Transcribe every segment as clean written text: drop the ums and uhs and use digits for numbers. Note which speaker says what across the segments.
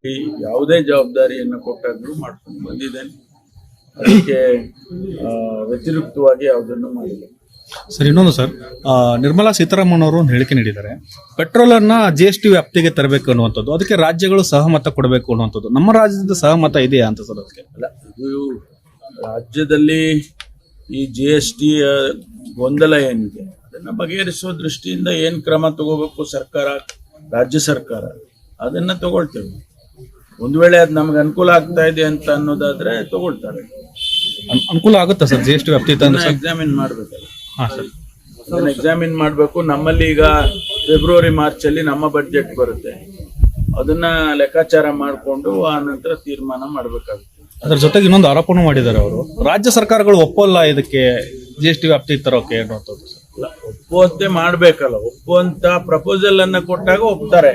Speaker 1: ಯಾವುದೇ ಜವಾಬ್ದಾರಿಯನ್ನು ಕೊಟ್ಟಾದ್ರೂ ಮಾಡ್ಕೊಂಡು ಬಂದಿದ್ದೇನೆ. ಅದಕ್ಕೆ ವ್ಯತಿರಿಕ್ತವಾಗಿ ಯಾವುದನ್ನು ಮಾಡಿಲ್ಲ.
Speaker 2: ಸರ್, ಇನ್ನೊಂದು ಸರ್, ನಿರ್ಮಲಾ ಸೀತಾರಾಮನ್ ಅವರು ಒಂದು ಹೇಳಿಕೆ ನೀಡಿದ್ದಾರೆ. ಪೆಟ್ರೋಲ್ ಅನ್ನ GST ವ್ಯಾಪ್ತಿಗೆ ತರಬೇಕು ಅನ್ನುವಂಥದ್ದು, ಅದಕ್ಕೆ ರಾಜ್ಯಗಳು ಸಹಮತ ಕೊಡಬೇಕು ಅನ್ನುವಂಥದ್ದು. ನಮ್ಮ ರಾಜ್ಯದ ಸಹಮತ ಇದೆಯಾ ಅಂತ ಸರ್? ಅದಕ್ಕೆ
Speaker 1: ಅಲ್ಲ, ಇದು ರಾಜ್ಯದಲ್ಲಿ ಈ GST ಗೊಂದಲ ಏನಿದೆ ಅದನ್ನ ಬಗೆಹರಿಸುವ ದೃಷ್ಟಿಯಿಂದ ಏನ್ ಕ್ರಮ ತಗೋಬೇಕು ಸರ್ಕಾರ, ರಾಜ್ಯ ಸರ್ಕಾರ ಅದನ್ನ ತಗೊಳ್ತೇವೆ. ಒಂದು ವೇಳೆ ಅದು ನಮ್ಗೆ ಅನುಕೂಲ ಆಗ್ತಾ ಇದೆ ಅಂತ ಅನ್ನೋದಾದ್ರೆ ತಗೊಳ್ತಾರೆ.
Speaker 2: ಅನುಕೂಲ ಆಗುತ್ತಾ ಸರ್ GST ವ್ಯಾಪ್ತಿ
Speaker 1: ಎಕ್ಸಾಮಿನ್ ಮಾಡ್ಬೇಕಲ್ಲ. ಅದನ್ನ ಎಕ್ಸಾಮಿನ್ ಮಾಡ್ಬೇಕು. ನಮ್ಮಲ್ಲಿ ಈಗ ಫೆಬ್ರವರಿ ಮಾರ್ಚ್ ಅಲ್ಲಿ ನಮ್ಮ ಬಡ್ಜೆಟ್ ಬರುತ್ತೆ, ಅದನ್ನ ಲೆಕ್ಕಾಚಾರ ಮಾಡಿಕೊಂಡು ಆ ನಂತರ ತೀರ್ಮಾನ ಮಾಡ್ಬೇಕಾಗುತ್ತೆ.
Speaker 2: ಅದ್ರ ಜೊತೆಗೆ ಇನ್ನೊಂದು ಆರೋಪನೂ ಮಾಡಿದ್ದಾರೆ ಅವರು, ರಾಜ್ಯ ಸರ್ಕಾರಗಳು ಒಪ್ಪಲ್ಲ ಇದಕ್ಕೆ GST ವ್ಯಾಪ್ತಿ ತರೋಕೆ ಅನ್ನುವಂಥದ್ದು.
Speaker 1: ಒಪ್ಪುವಂತೆ ಮಾಡ್ಬೇಕಲ್ಲ, ಒಪ್ಪುವಂತ ಪ್ರಪೋಸಲ್ ಅನ್ನ ಕೊಟ್ಟಾಗ ಒಪ್ತಾರೆ.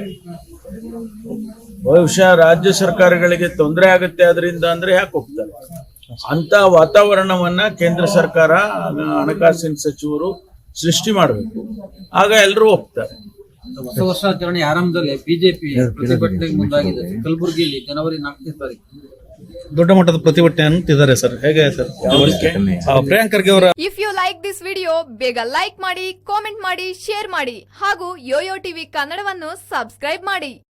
Speaker 1: ಬಹುಶಃ ರಾಜ್ಯ ಸರ್ಕಾರಗಳಿಗೆ ತೊಂದರೆ ಆಗುತ್ತೆ ಅದರಿಂದ ಅಂದ್ರೆ ಯಾಕೆ ಒಪ್ತಾರೆ? ಅಂತ ವಾತಾವರಣವನ್ನ ಕೇಂದ್ರ ಸರ್ಕಾರ, ಹಣಕಾಸಿನ ಸಚಿವರು ಸೃಷ್ಟಿ ಮಾಡಬೇಕು, ಆಗ ಎಲ್ಲರೂ ಒಪ್ತಾರೆ.
Speaker 3: ಹೊಸ ವರ್ಷಾಚರಣೆ ಆರಂಭದಲ್ಲಿ ಬಿಜೆಪಿ ಪ್ರತಿಭಟನೆಗೆ ಮುಂದಾಗಿದೆ. ಕಲಬುರಗಿಯಲ್ಲಿ ಜನವರಿ 4ನೇ ತಾರೀಕು
Speaker 2: ದೊಡ್ಡ ಮಟ್ಟದ ಪ್ರತಿಭಟನೆ ಅಂತಿದ್ದಾರೆ ಸರ್. ಹೇಗೆ ಸರ್? ಪ್ರಿಯಾಂಕ್ ಖರ್ಗೆ ಅವರ
Speaker 4: if you like this video, ಬೇಗ ಲೈಕ್ ಮಾಡಿ, ಕಾಮೆಂಟ್ ಮಾಡಿ, ಶೇರ್ ಮಾಡಿ ಹಾಗೂ ಯೋಯೋ ಟಿವಿ ಕನ್ನಡವನ್ನು ಸಬ್ಸ್ಕ್ರೈಬ್ ಮಾಡಿ.